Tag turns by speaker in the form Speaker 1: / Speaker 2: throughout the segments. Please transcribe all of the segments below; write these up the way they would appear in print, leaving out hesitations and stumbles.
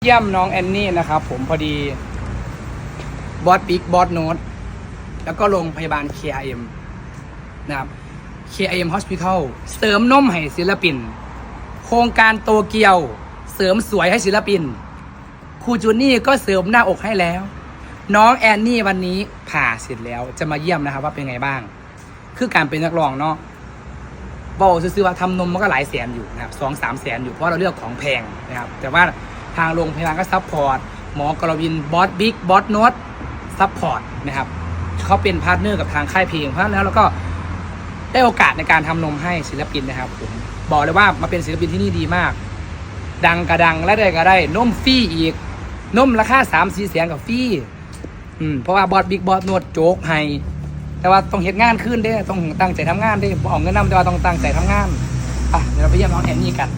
Speaker 1: เยี่ยมน้องแอนนี่นะครับผมพอดีบอสบิ๊กบอสโน้ตแล้วก็โรงพยาบาล KRM นะครับ KRM Hospital เสริมนมให้ศิลปินโครงการโตเกียวเสริมสวยให้ศิลปินครูจูนี่ก็เสริมหน้าอกให้แล้ว น้องแอนนี่วันนี้ผ่าเสร็จแล้วจะมาเยี่ยมนะครับว่าเป็นไงบ้างคือการเป็นนักร้องเนาะบอกซื้อว่าทำนมมันก็หลายแสนอยู่นะครับ2-3 แสนอยู่เพราะเราเลือกของแพงนะครับแต่ว่าทางโรงพยาบาลก็ซัพพอร์ตหมอกรวินบอสบิ๊กบอสโน้ตซัพพอร์ตนะครับเขาเป็นพาร์ทเนอร์กับทางค่ายเพลงเพราะฉะนั้นแล้วเราก็ได้โอกาสในการทำนมให้ศิลปินนะครับผมบอกเลยว่ามาเป็นศิลปินที่นี่ดีมากดังกระดังและได้ก็ได้นมฟรีอีกนมราคา3-4 แสนกับฟรีเพราะว่าบอสบิ๊กบอสโน้ตโจ๊กให้แต่ว่าต้องเห็นงานขึ้นได้ต้องตั้งใจทำงานได้บอกเงินนำแต่ว่าต้องตั้งใจทำงานเดี๋ยวเราไปเยี่ยมน้องแอนนี่กัน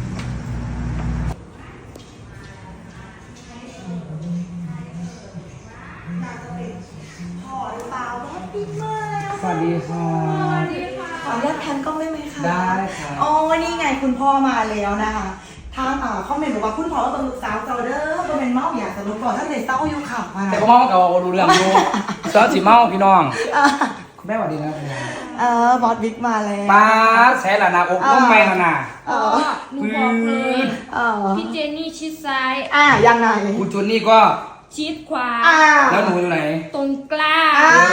Speaker 1: สวัสดีค่ะ
Speaker 2: ขออนุญาตแพนกล้องได้ไหมคะ
Speaker 1: ได้ค่ะ
Speaker 2: โอ้นี่ไงคุณพ่อมาแล้วนะคะทางคอมเมนต์บอกว่าคุณพ่อต้องลูกสาวเจ้าเด้อเป็นเมาอยากจะรู้ก่อนถ้าเด็กเต้าอยู่ขับมา
Speaker 1: แต่ก็เมากับรู้เรื่องอยู่ซอสสีเมาพี่น้องคุณแม่สวัสดีนะ
Speaker 2: บอสบิ๊กมาแล้ว
Speaker 1: ป้าใช้ละนาอกน้องแม่ละนา
Speaker 3: หนูบอกเลยพี่เจนนี่ชิดซ้าย
Speaker 2: ยังไง
Speaker 1: คุณจุนนี่ก็
Speaker 3: ชิดขวา
Speaker 1: แล้วหนูอยู่ไหน
Speaker 3: ตรงกลาง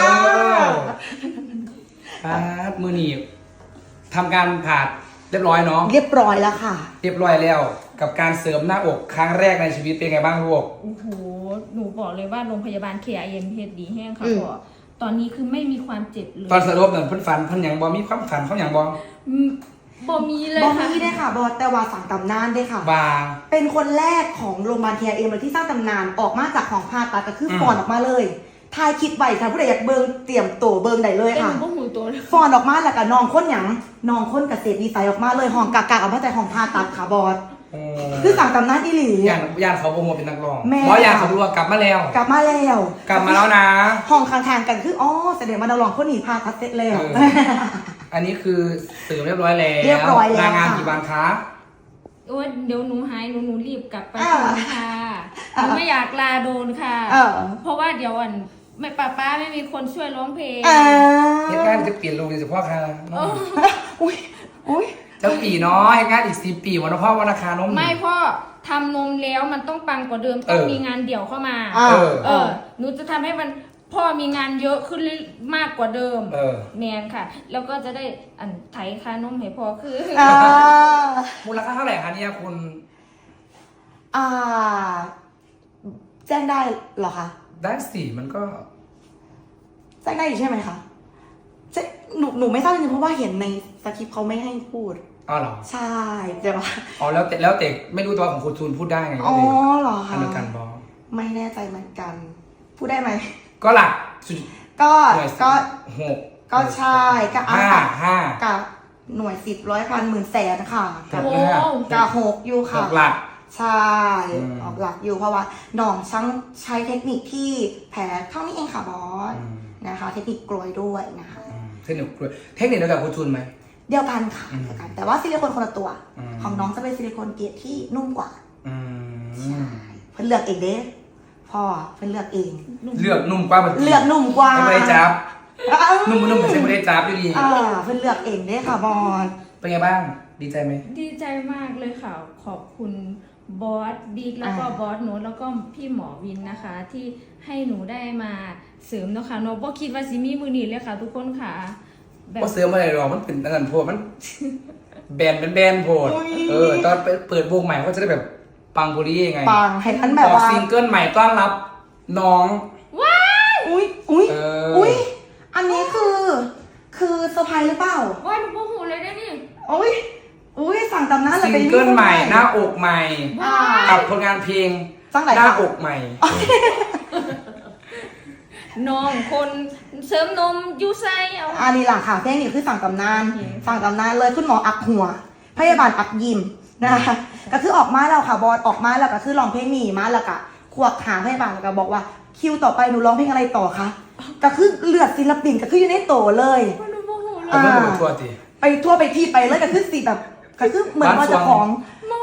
Speaker 1: มือหนีบทำการผ่าเรียบร้อยเนาะ
Speaker 2: เรียบร้อยแล้วค่ะ
Speaker 1: เรียบร้อยแล้วกับการเสริมหน้าอกครั้งแรกในชีวิตเป็นไงบ้างลูก
Speaker 3: โอ้โหหนูบอกเลยว่าโรงพยาบาล KRM เฮ็ดดีแห้งค่ะพ่อตอนนี้คือไม่มีความเจ็บเลย
Speaker 1: ตอนสรุปเนี่ยเพิ่นฝันเพิ่นอย่างบอมีความฝันเขาอย่างบอ
Speaker 3: มีเลย
Speaker 2: ค่ะ
Speaker 3: บอ
Speaker 2: มีได้ค่ะบอสแต่ว่าสั่งตำนานได้ค่ะเป็นคนแรกของโรงพยาบาล KRM เลยที่สร้างตำนานออกมาจากของผ่าตัดก็คือฟอนออกมาเลยทายคิดไว้ค่ะผู้ใดอยากเบิ่งเตรียมตัวเบิ่งได้เลยค่ะฟอนออกมาแล้วก็น้องคนหยังน้องคนเกษตรดีไซน์ออกมาเลยห้องกากๆออกมาจากห้องผ่าตัดค่ะบอสคือสั่งตำนานอีหลี
Speaker 1: ย่านเขาโปรโมทเป็นนักร้องบอสย่านเขารู้ว่ากลับมาแล้ว
Speaker 2: กลับมาแล้ว
Speaker 1: นะ
Speaker 2: ห้องข้างๆกันคือแสดงว่านักร้องคนนี้ผ่าตัดเสร็จแล้ว
Speaker 1: อันนี้คือเสริมเรียบร้อยแล้วลางานกี่วันคะ
Speaker 3: โอ้เดี๋ยวหนูหายหนูรีบกลับไปค่ะหนูไม่อยากลาโดนค่ะเพราะว่าเดี๋ยวไม่ป้าไม่มีคนช่วยร้องเพลง
Speaker 1: เหตุการณ์จะเปลี่ยนลงเฉพาะค่ะ
Speaker 2: อุ้ย
Speaker 1: จะปีเนาะเหตุการณ์อีก4 ปีวันพ่อวันราคานม
Speaker 3: ไม่พ่อทำนมแล้วมันต้องปังกว่าเดิมต้องมีงานเดี่ยวเข้ามาหนูจะทำให้มันพ่อมีงานเยอะขึ้นมากกว่าเดิมแมนค่ะแล้วก็จะได้ไถค่านมให้พ่อคือ
Speaker 1: มูลค่าเท่าไหร่คะเนี่ยคุณ
Speaker 2: แจ้งได้เหรอคะ
Speaker 1: ได้สิมันก็
Speaker 2: แจ้งได้ใช่ไหมคะหนูไม่ทราบจริงๆเพราะว่าเห็นในสคริปต์เขาไม่ให้พูด
Speaker 1: เหรอ
Speaker 2: ใช่แต่ว่า
Speaker 1: แล้วแต่ไม่รู้ตัวของคุณทูนพูดได้ไง
Speaker 2: เหรอคะ
Speaker 1: อันเดียวกันบอ
Speaker 2: ไม่แน่ใจเหมือนกันพูดได้ไหม
Speaker 1: ก็หลัก
Speaker 2: 6ก็ใช่ก็
Speaker 1: 5
Speaker 2: กับหน่วย10 100 พันหมื่นแสนค่ะ
Speaker 1: กับ
Speaker 2: 6อยู่ค่ะ
Speaker 1: หลัก
Speaker 2: ใช่ออกหลักอยู่เพราะว่าน้องช่างใช้เทคนิคที่แผลเท่านี้เองค่ะบอสนะคะเทคนิคกลวยด้วยนะคะ
Speaker 1: เทคนิคเดียวกับคุณทูนไหม
Speaker 2: เดียวกันค่ะเดียวกันแต่ว่าซิลิโคนคนละตัวของน้องจะเป็นซิลิโคนเกรดที่นุ่มกว่าใช่เพิ่นเลือกเองเด้พ่อเพิ่นเลือกเอง
Speaker 1: เลือกนุ่มกว่า
Speaker 2: เลือกนุ่มกว่า
Speaker 1: ไม่ได้จับนุ่มไม่ใช่ไม่ได้จับอยู่ดี
Speaker 2: เพิ่นเลือกเองเด้ค่ะบอส
Speaker 1: เป็นไงบ้างดีใจไหม
Speaker 3: ดีใจมากเลยค่ะขอบคุณบอสบิ๊กแล้วก็บอสโน้ตแล้วก็พี่หมอวินนะคะที่ให้หนูได้มาเสริมเนาะค่ะโน้ตคิดว่าซิมีมือหนีเลยค่ะทุกคนค่ะ
Speaker 1: แบบเสริมอะไรหรอมันเป็นอันโพดมันแบนโพดตอนเปิดวงใหม่ก็จะได้แบบปังบุรียังไง
Speaker 2: ปังให้ท่านแบบว่า
Speaker 1: ซิงเกิลใหม่ต้อนรับน้อง
Speaker 3: ว้าว
Speaker 2: อุ้ยอันนี้คือเซอร์ไพรส์หรือเปล่า
Speaker 3: ว้าหนูโมโหเลยนะนี่
Speaker 2: อุ้ยสั่งตำนาน
Speaker 1: ซิงเกิลใหม่หน้าอกใหม่กับผลงานเพลงหน้าอกใหม่
Speaker 3: น้องคนเสริมนมยูไซ
Speaker 2: อันนี้หลังค่ะเพลงนี้คือสั่งตำนานเลยคุณหมออักหัวพยาบาลอักยิมนะคะก็คือออกมาแล้วค่ะบอสออกมาแล้วก็คือร้องเพลงนี้มาแล้วก็ขวกหาพยาบาลแล้วก็บอกว่าคิวต่อไปหนูร้องเพลงอะไรต่อคะก็คือเลือดศิลปินก็คืออยู่ในโตเลย
Speaker 1: ไปทั่วที
Speaker 2: ไปทั่วไปที่ไปเลยก็คือสิแบบก็คือเหมือนว่าจะของ
Speaker 3: เมา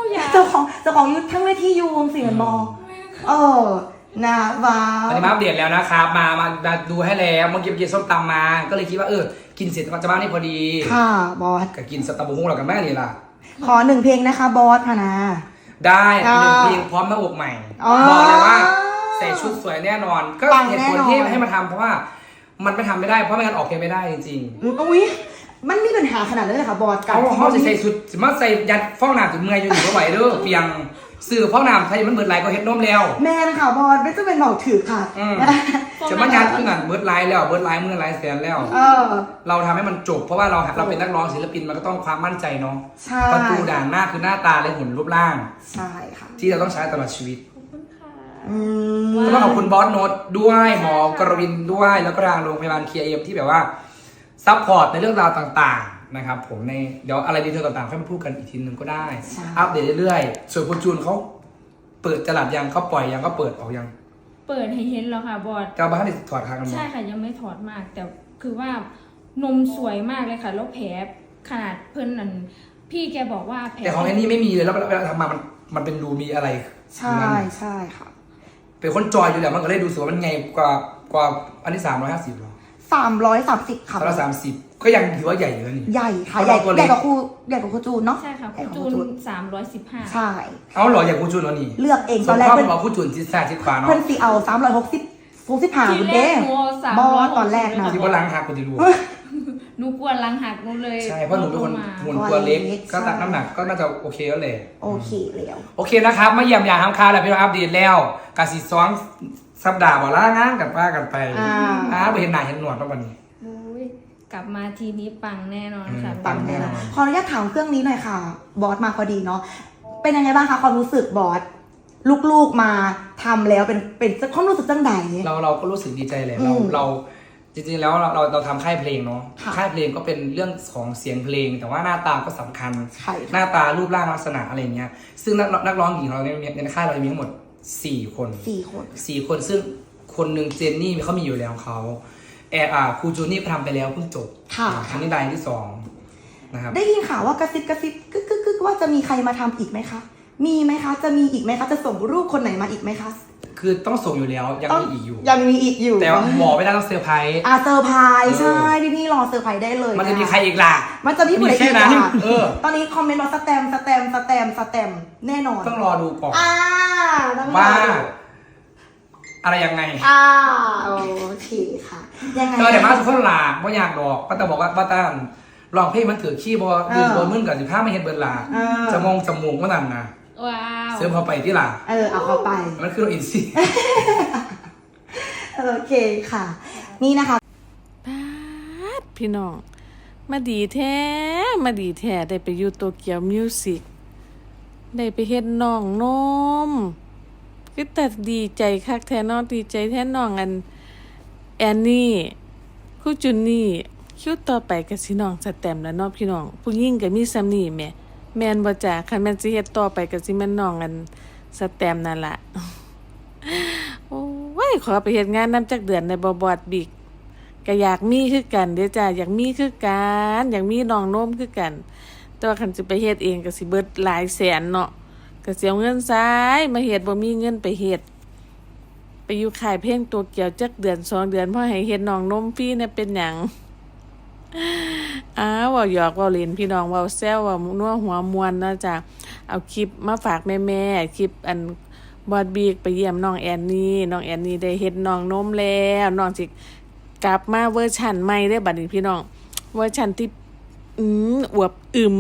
Speaker 2: เจ้าของยุทธทั้งเวทียูวงเสียงมอนะว้า
Speaker 1: ตอนนี้มาอัปเดตแล้วนะครับมาดูให้แล้วเมื่อกี้กินส้มตำมาก็เลยคิดว่ากินเสร็จจะมานี่พอดี
Speaker 2: ค่ะบอส
Speaker 1: ก็กินสตาร์บุ้งเรากันแม่นี่ล่ะ
Speaker 2: ขอ1 เพลงนะคะบอสพนา
Speaker 1: ได้1 เพลงพร้อมหน้าอกใหม่บอกเลยว่าใส่ชุดสวยแน่นอนก็เหตุผลที่ให้มาทำเพราะว่ามันไม่ทำไม่ได้เพราะไม่งั้นออกเพลงไม่ได้จริง
Speaker 2: ๆอุ้ยมันมีปัญหาขนาดนั้นเลยค่ะบอส
Speaker 1: เขาใส่สุดสมมติใส่ยัดฟองน้ำถึงเมื่อยอยู่ก็ไหวเด้อเปียงสื่อฟองน้ำไทยมันเบิดไลน์ก็เฮ็ดนมแล้ว
Speaker 2: แม่นะคะบอสไม่ต้องเป็นเบาถือค่ะ
Speaker 1: จะมายัดขึ้นเบิดไลน์แล้วเบิดไลน์มือไลน์แสนแล้วเราทำให้มันจบเพราะว่าเราเป็นนักร้องศิลปินมันก็ต้องความมั่นใจเนาะประตูด่านหน้าคือหน้าตาและหุ่นรูปร่าง
Speaker 2: ใช่ค่ะ
Speaker 1: ที่เราต้องใช้ตลอดชีวิตก็ต้องขอบคุณบอสโน้ตด้วยหมอกรวินด้วยแล้วก็ทางโรงพยาบาลKIMที่แบบว่าซัพพอร์ตในเรื่องราวต่างๆนะครับผมในเดี๋ยวอะไรดีเทลต่างๆค่อยมาพูดกันอีกทีนึงก็ได้อัปเดตเรื่อยๆส่วนคุณจูนเขาเปิดจลัดยังเขาปล่อยยังเขาเปิดออกยัง
Speaker 3: เปิดให้เห็นแล้วค่ะบอส
Speaker 1: กาบ้านได้ถอดคางกัน
Speaker 3: ใช่ค่ะยังไม่ถอดมากแต่คือว่านมสวยมากเลยค่ะแล้วแผลขนาดเพิ่นนั่นพี่แกบอกว่าแผล
Speaker 1: แต่ของไอ้นี่ไม่มีเลยแล้วเวลาทำมามันเป็นรูมีอะไร
Speaker 2: ใช่ใช่ค่ะ
Speaker 1: เป็นคนจอยอยู่แล้วมันก็เลยดูสึกว่ามันไงกว่าอันที่350หรอ
Speaker 2: 330ค่ะ
Speaker 1: 330ก็ยังถือว่าใหญ่อยู่นะนี่
Speaker 2: ใหญ่ค่ะใหญ่กว่าครูจูนเนาะ
Speaker 3: ใช่ค่ะครูจูน315
Speaker 2: ใช่
Speaker 1: เอาหรออย่างครูจูนแล้วนี่
Speaker 2: เลือกเองตอนแรก
Speaker 1: เพิ่นบอกครูจูนทิศซ้ายทิศขวาเนาะ
Speaker 2: เพิ่นสิเอา365คุณเด้บอตอนแรกนะ
Speaker 1: ที่ว่าล้างหักกูจะรู้
Speaker 3: หนูกลัวล้างหักหนูเลย
Speaker 1: ใช่เพราะหนูเป็นคนหุ่นตัวเล็กก็ตัดน้ำหนักก็น่าจะโอเคแล้วแหละ
Speaker 2: โอเคแล้ว
Speaker 1: โอเคนะครับมาเยี่ยมยามทำข่าวแล้วพี่น้องอัปเดตแล้วกะสิซ้อนสัปดาห์บ่ล่างานกันป้ากันไปไปเห็นหน้าเห็นหนวดแล้ววันนี้
Speaker 3: กลับมาทีนี้ปังแน่นอนค่ะ
Speaker 1: ปังแน่นอน
Speaker 2: ขออนุญาตถามเครื่องนี้หน่อยค่ะบอสมาพอดีเนาะเป็นยังไงบ้างคะความรู้สึกบอสลูกๆมาทำแล้วเป็นความรู้สึกจังใด
Speaker 1: เราก็รู้สึกดีใจแหละเราจริงๆแล้วเราทำค่ายเพลงเนาะค่ายเพลงก็เป็นเรื่องของเสียงเพลงแต่ว่าหน้าตาก็สำคัญหน้าตารูปร่างลักษณะอะไรเงี้ยซึ่งนักร้องหญิงเราในค่ายเรามีทั้งหมด4 คนซึ่งคนหนึ่งเจนนี่เขามีอยู่แล้วเขาครูจูนี่ทำไปแล้วเพิ่งจบครั้งนี้ได้ที่2นะครับ
Speaker 2: ได้ยินข่าวว่ากระซิบกึกว่าจะมีใครมาทำอีกไหมคะมีไหมคะจะมีอีกไหมคะจะส่งรูปคนไหนมาอีกไหมคะ
Speaker 1: คือต้องส่งอยู่แล้วยังมีอีกอยู่แต่บอกไม่ได้ต้องเซอร์ไพรส์
Speaker 2: เซอร์ไพรส์ใช่พี่รอเซอร์ไพรส์ได้เลย
Speaker 1: มันจะมีใครอีกล่ะ
Speaker 2: มันจะมีผู้ใดอีกล่ะตอนนี้คอมเมนต์ว่าสแตมแน่นอน
Speaker 1: ต้องรอดูก่อนว่าอะไรยังไง
Speaker 2: โอเคค่ะยังไง
Speaker 1: แต่มาทุกคนลาเพราะอยากดอกป้าตาบอกว่าป้าตาลองเพลงมันถือขี้บอยืนบนมึนกับ15ไม่เห็นเบิร์ลาจะมองจมูกว่านั่นนะ
Speaker 3: ว้าว
Speaker 1: เสริมเข้าไปที่ล่ะ
Speaker 2: เอาเข้าไป
Speaker 1: มันคืออินซี
Speaker 2: โอเคค่ะนี่นะคะ
Speaker 4: พี่น้องมาดีแท้ได้ไปอยู่โตเกียวมิวสิกได้ไปเฮ็ดน้องนมคือแต่ดีใจคักแท้น้องดีใจแท้น้องแอนนี่ครูจุนนี่คิวต่อไปก็สิน้องสแตมแล้วเนาะพี่น้องผู้หญิงก็มีซ้ำนี่แม่นบ่จ้ะคันแม่นสิเฮ็ดต่อไปก็สิแม่นน้องสแตมนั่นล่ะโอ้ยขอไปเฮ็ดงานนำจักเดือนในบอดบิ๊กก็อยากมีคือกันเด้อจ้ะอยากมีคือกันอยากมีน้องนมคือกันแต่ว่าคันสิไปเฮ็ดเองก็สิเบิดหลายแสนเนาะก็สิเอาเงินซ้ายมาเฮ็ดบ่มีเงินไปเฮ็ดไปอยู่ค่ายเพลงตัวเกี่ยวจักเดือน2 เดือนพอให้เฮ็ดน้องนมฟรีเนี่ยเป็นหยังเว้าหยอกเว้าเล่นพี่น้องเว้าแซวเว้านัวหัวมวนเนาะจ้ะเอาคลิปมาฝากแม่ๆคลิปบอดบีกไปเยี่ยมน้องแอนนี่ได้เฮ็ดน้องนมแล้วน้องสิกลับมาเวอร์ชันใหม่ได้บัดนี้พี่น้องเวอร์ชันที่อวบ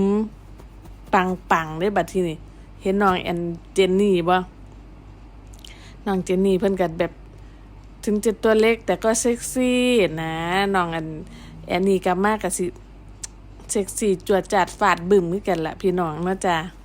Speaker 4: ปังได้บัดที่นี่เห็นน้องเจนนี่บ่น้องเจนนี่เพิ่นก็แบบถึงจะตัวเล็กแต่ก็เซ็กซี่นะน้องแอนนี่กลับมาก็สิเซ็กซี่จวดจัดฟาดบึ้มคือกันล่ะพี่น้องเนาะจ้ะ